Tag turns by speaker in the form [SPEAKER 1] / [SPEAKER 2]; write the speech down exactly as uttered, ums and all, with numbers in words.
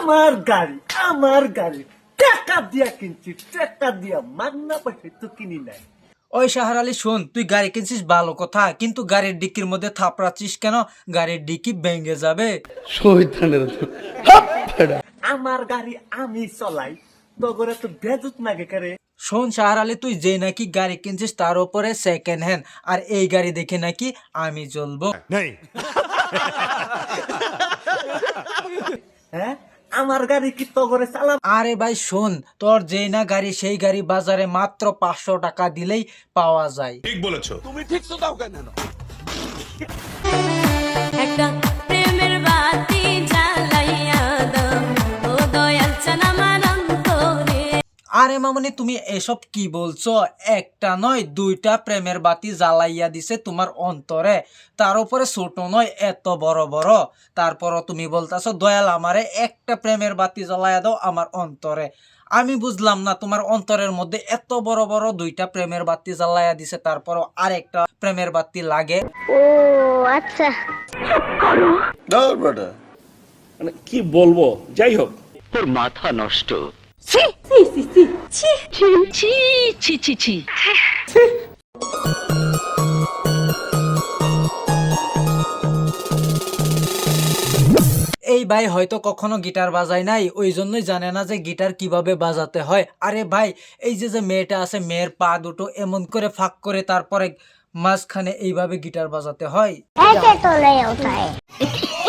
[SPEAKER 1] আমার গাড়ি আমার গাড়ি টাকা দিয়া কিনছি, টাকা দিয়া, মাগনা পয়সা তো কিনি নাই।
[SPEAKER 2] ওই শাহর আলী শোন, তুই গাড়ি কিনছিস ভালো কথা, কিন্তু গাড়ির ডিক্কির মধ্যে থাপড়াচ্ছিস কেন? গাড়ির ডিক্কি ভেঙে যাবে।
[SPEAKER 1] আমার গাড়ি আমি চলাই, তো করে তো বেজুত নাগে করে।
[SPEAKER 2] শোন শাহর আলী, তুই যে নাকি গাড়ি কিনছিস তার উপরে সেকেন্ড হ্যান্ড, আর এই গাড়ি দেখে নাকি আমি চলবো।
[SPEAKER 1] হ্যাঁ, আমার গাড়ি কি তো করে চালাম?
[SPEAKER 2] আরে ভাই শোন, তোর যেই না গাড়ি সেই গাড়ি বাজারে মাত্র পাঁচশো টাকা দিলেই পাওয়া যায়।
[SPEAKER 3] ঠিক বলেছো।
[SPEAKER 4] একটা প্রেমের বাতি জ্বালাইয়া দাও ও দয়াল চান আমার অন্তরে।
[SPEAKER 2] আরে মামনি, তুমি এসব কি বলছো? একটা নয় দুইটা প্রেমের বাতি জ্বালাইয়া দিছে তোমার অন্তরে, তার উপরে ছোট নয় এত বড় বড়। তারপরও তুমি বলতেছো দয়াল আমারে একটা প্রেমের বাতি জ্বালাইয়া দাও আমার অন্তরে। আমি বুঝলাম না, তোমার অন্তরের মধ্যে এত বড় বড় দুইটা প্রেমের বাতি জ্বালাইয়া দিছে, তারপরও আরেকটা প্রেমের বাতি লাগে।
[SPEAKER 5] ও আচ্ছা।
[SPEAKER 6] মানে কি বলবো, যাই হোক।
[SPEAKER 7] তোর মাথা নষ্ট।
[SPEAKER 2] এই ভাই হয়তো কখনো গিটার বাজায় নাই, ওই জন্যই জানে না যে গিটার কিভাবে বাজাতে হয়। আরে ভাই, এই যে যে মেয়েটা আছে, মেয়ের পা দুটো এমন করে ফাঁক করে তারপরে মাঝখানে এইভাবে গিটার বাজাতে হয়।
[SPEAKER 5] ऐसे तो नहीं होता है।